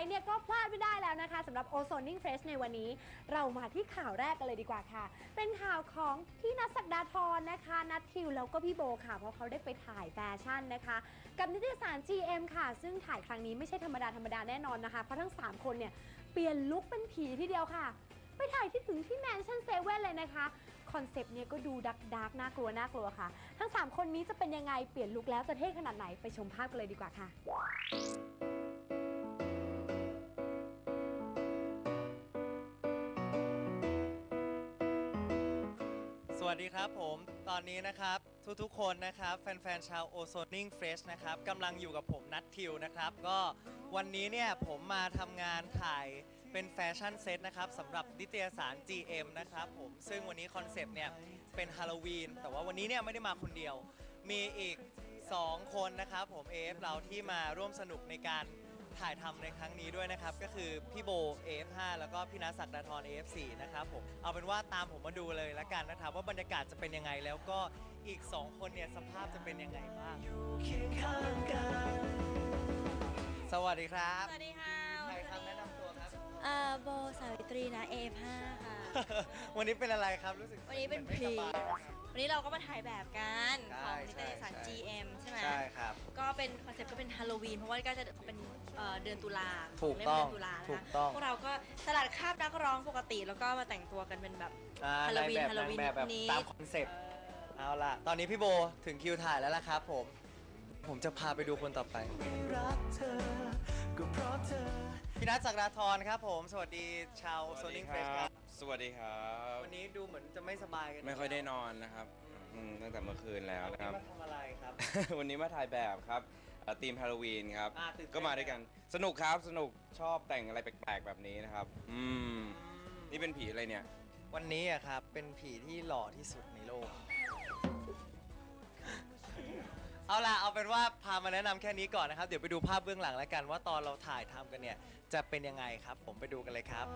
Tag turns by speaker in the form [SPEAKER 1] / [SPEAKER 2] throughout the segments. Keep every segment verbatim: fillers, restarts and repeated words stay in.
[SPEAKER 1] เนี่ยก็พลาดไม่ได้แล้วนะคะสำหรับ Ozoning Fresh ในวันนี้เรามาที่ข่าวแรกกันเลยดีกว่าค่ะเป็นข่าวของพี่นัทศักดาธรนะคะนัททิวแล้วก็พี่โบค่ะเพราะเขาได้ไปถ่ายแฟชั่นนะคะกับนิตยสาร จี เอ็ม ค่ะซึ่งถ่ายครั้งนี้ไม่ใช่ธรรมดาธรรมดาแน่นอนนะคะเพราะทั้งสามคนเนี่ยเปลี่ยนลุคเป็นผีทีเดียวค่ะไปถ่ายที่ถึงที่แมนชั่นเซเว่นเลยนะคะคอนเซปต์เนี่ยก็ดูดักดักน่ากลัวน่ากลัวค่ะทั้งสามคนนี้จะเป็นยังไงเปลี่ยนลุคแล้วจะเท่ขนาดไหนไปชมภาพกันเลยดีกว่าค่ะ
[SPEAKER 2] สวัสดีครับผมตอนนี้นะครับทุกๆคนนะครับแฟนๆชาว Ozoning Fresh นะครับกำลังอยู่กับผมนัททิวนะครับก็วันนี้เนี่ยผมมาทำงานถ่ายเป็นแฟชั่นเซตนะครับสำหรับนิตยสาร จี เอ็ม นะครับผมซึ่งวันนี้คอนเซปต์เนี่ยเป็นฮาโลวีนแต่ว่าวันนี้เนี่ยไม่ได้มาคนเดียวมีอีกสองคนนะครับผม เอ เอฟ เราที่มาร่วมสนุกในการถ่ายทำในครั้งนี้ด้วยนะครับก็คือพี่โบ เอ เอฟ ห้า แล้วก็พี่นัทศักดาธร เอ เอฟ สี่ นะครับผมเอาเป็นว่าตามผมมาดูเลยละกันนะครับว่าบรรยากาศจะเป็นยังไงแล้วก็อีกสองคนเนี่ยสภาพจะเป็นยังไงบ้างสวัสดีครับ
[SPEAKER 3] สวัสดีค่ะ
[SPEAKER 2] ใครครับแนะนำตัวครับ
[SPEAKER 3] เอ่อโบสาวิตรีนะ เอ เอฟ ห้า ค่ะ
[SPEAKER 2] วันนี้เป็นอะไรครับรู้สึก
[SPEAKER 3] วันนี้เป็น
[SPEAKER 2] ไม่
[SPEAKER 3] พรี
[SPEAKER 2] สบายนะครับ
[SPEAKER 3] วันนี้เราก็มาถ่ายแบบกัน
[SPEAKER 2] ใช่
[SPEAKER 3] ของนิตยสาร
[SPEAKER 2] ใช่
[SPEAKER 3] จี เอ็ม ใช่ไหม
[SPEAKER 2] ใช่ครับ
[SPEAKER 3] ก็เป็นคอนเซ็ปต์ก็เป็นฮาโลวีนเพราะว่าก็จะเป็นเอ่อเดือนตุลา
[SPEAKER 2] ถูก
[SPEAKER 3] เล่ม
[SPEAKER 2] ต้อง
[SPEAKER 3] เดือนตุลานะ
[SPEAKER 2] ถู
[SPEAKER 3] คะ
[SPEAKER 2] กต้อง
[SPEAKER 3] พวกเราก็สลัดคราบนักร้องปกติ แล้วก็มาแต่งตัวกันเป็นแบบ
[SPEAKER 2] อ่า
[SPEAKER 3] ฮาโลวีน
[SPEAKER 2] ในแบบ
[SPEAKER 3] ฮาโลวีน
[SPEAKER 2] ในแบบแบบ
[SPEAKER 3] นี้
[SPEAKER 2] ตามคอนเซปต์เอาล่ะตอนนี้พี่โบถึงคิวถ่ายแล้วล่ะครับผมผมจะพาไปดูคนต่อไปพี่นัทศักดาธรครับผมสวัสดีชาว Ozoning Fresh ครับ
[SPEAKER 4] สวัสดีครับ
[SPEAKER 2] วันนี้ดูเหมือนจะไม่สบายกัน
[SPEAKER 4] ไม่ค่อยได้นอนนะครับอืมตั้งแต่เมื่อคืนแล้ว
[SPEAKER 2] วัน
[SPEAKER 4] นะค
[SPEAKER 2] นี้
[SPEAKER 4] รับ
[SPEAKER 2] มาทำอะไรครับ
[SPEAKER 4] วันนี้มาถ่ายแบบครับทีมฮาโลวีนครับ
[SPEAKER 2] อ่าตื่นเต้น
[SPEAKER 4] ก็มาด้วยกัน สนุกครับ สนุก ชอบแต่งอะไรแปลกๆแบบนี้นะครับ อืม นี่เป็นผีอะไรเนี่ย
[SPEAKER 2] วันนี้อะครับเป็นผีที่หล่อที่สุดในโลก เอาล่ะเอาเป็นว่าพามาแนะนำแค่นี้ก่อนนะครับ เดี๋ยวไปดูภาพเบื้องหลังแล้วกันว่าตอนเราถ่ายทำกันเนี่ยจะเป็นยังไงครับ ผมไปดูกันเลยครับ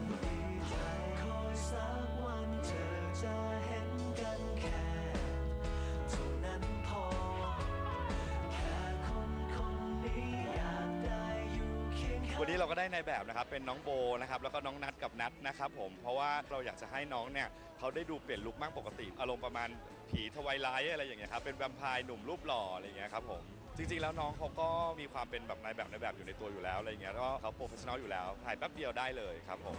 [SPEAKER 5] วันนี้เราก็ได้ในแบบนะครับเป็นน้องโบนะครับแล้วก็น้องนัทกับนัทนะครับผมเพราะว่าเราอยากจะให้น้องเนี่ยเขาได้ดูเปลี่ยนลุคมากปกติอารมณ์ประมาณผีทวายไลท์อะไรอย่างเงี้ยครับเป็นแวมไพร์หนุ่มรูปหล่ออะไรอย่างเงี้ยครับผมจริงๆแล้วน้องเขาก็มีความเป็นแบบนายแบบในแบบอยู่ในตัวอยู่แล้วอะไรอย่างเงี้ยแล้วก็เขาโปรเฟชชั่นอลอยู่แล้วถ่ายแป๊บเดียวได้เลยครับผม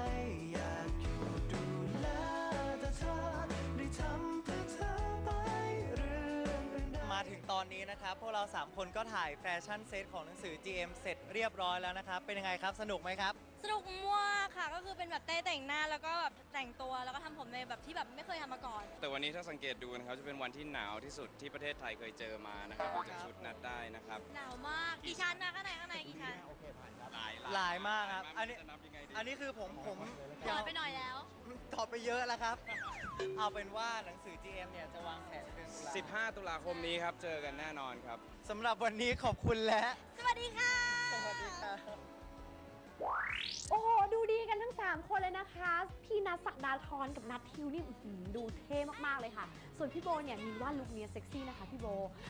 [SPEAKER 2] มาถึงตอนนี้นะครับพวกเราสามคนก็ถ่ายแฟชั่นเซตของหนังสือ จี เอ็ม เสร็จเรียบร้อยแล้วนะครับเป็นยังไงครับสนุกไหมครับ
[SPEAKER 3] สนุกมากค่ะ ก็คือเป็นแบบเต้แต่งหน้าแล้วก็แบบแต่งตัวแล้วก็ทำผมในแบบที่แบบไม่เคยทำมาก่อน
[SPEAKER 4] แต่วันนี้ถ้าสังเกตดูนะครับ จะเป็นวันที่หนาวที่สุดที่ประเทศไทยเคยเจอมานะครับดูจากชุดนัดได้นะครับ
[SPEAKER 3] หนาวมากกี่ชั้นนะข้างในข้างในกี่ชั้น
[SPEAKER 4] หลาย
[SPEAKER 2] หลายมากครับ
[SPEAKER 4] หล
[SPEAKER 2] อัน
[SPEAKER 4] ย
[SPEAKER 2] นี้
[SPEAKER 4] จะนับยังไงดี
[SPEAKER 2] อันนี้คือผมผม
[SPEAKER 3] ถอยไปหน่อยแล้ว
[SPEAKER 2] ตอบไปเยอะแล้วครับ เอาเป็นว่าหนังสือ จี เอ็ม เนี่ยจะวางแผนเป็นตุลา
[SPEAKER 4] สิบห้าตุลาคมนี้ครับเจอกันแน่นอนครับ
[SPEAKER 2] สำหรับวันนี้ขอบคุณและ
[SPEAKER 3] สวัสดีค่ะ
[SPEAKER 2] สวัสดีครับ
[SPEAKER 1] โอ้โหดูดีกันทั้งสามคนเลยนะคะพี่นัทศักดาธรกับนัททิวนี่อื้อหือดูเท่มากๆเลยค่ะส่วนพี่โบเนี่ยมีว่าลุคเนี้ยเซ็กซี่นะคะพี่โบ